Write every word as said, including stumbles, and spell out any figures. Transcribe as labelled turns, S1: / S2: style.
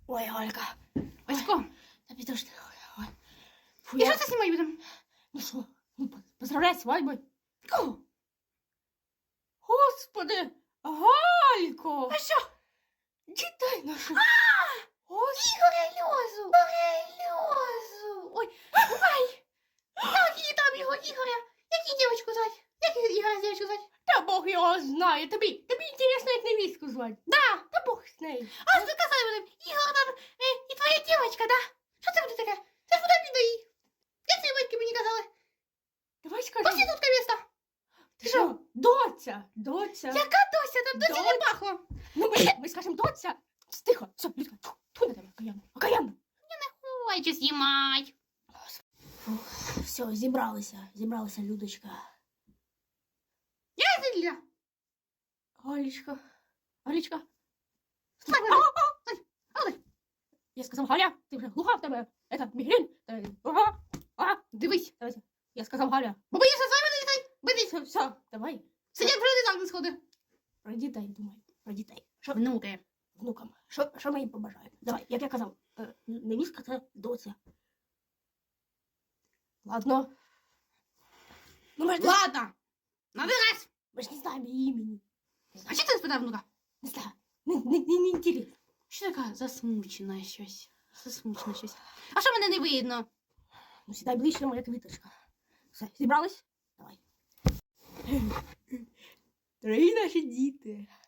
S1: Ой, Галька.
S2: Васько,
S1: Та підожди. Ой. Фу,
S2: і
S1: я...
S2: що це знімати будемо?
S1: Ну що? Ну, поздравляй свадьбою.
S2: Кого?
S1: Господи, Галько.
S2: А що?
S1: Дітей наших.
S2: Ігоря Льозу! Ігоря Льозу! Ой, ой! Як її там його, Ігоря? Як її дівчинку звати? Як її Ігоря дівчинку звати?
S1: Та Бог його знає. Тобі, тобі інтересно, як невістку звати.
S2: Да!
S1: Та Бог з нею.
S2: А що казали будемо? Ігор там е, і твоя дівчинка, да? Що це буде таке? Це ж буде підої. Як твої батьки мені казали?
S1: Давай скажи.
S2: Проститутка міста.
S1: Ти що? Доця, доця.
S2: Яка дося? Там досі не пахло.
S1: Ну, ми, ми скажемо доця. Тихо, все, Людка, тьфу, тьфу на тебе, окаянно, окаянно.
S2: Хочу знімати.
S1: Все, зібралися, зібралися, Людочка.
S2: Я зілля.
S1: Галічка, Галічка.
S2: Стой,
S1: А, а, стой, а, стой. Я сказав, Галя, ти вже глуха в тебе, это, мігрень. Та- Ага, ага,
S2: Дивись.
S1: давайте. Я сказав, Галя,
S2: Бо боїшся з вами не літай. Битись.
S1: все, все, давай.
S2: Сидять вже не так не сходи.
S1: Про дітей думай, про дітей. Що
S2: Внуки.
S1: внукам? Що, що ми їм побажаємо? Давай, як я казав, е, невістка це доця. Ладно. Ну, ми ж, не-
S2: Ладно. Набирайся.
S1: ми ж не знаємо її імені. Не
S2: А
S1: знаю,
S2: чи ти спитав внука?
S1: не знаю. Не, не, не, не інтересно.
S2: Що така засмучена щось? Засмучена щось. А що мене не видно?
S1: Ну, сідай ближче, моя квіточка. Все, зібрались? Давай. Дорогі наші діти,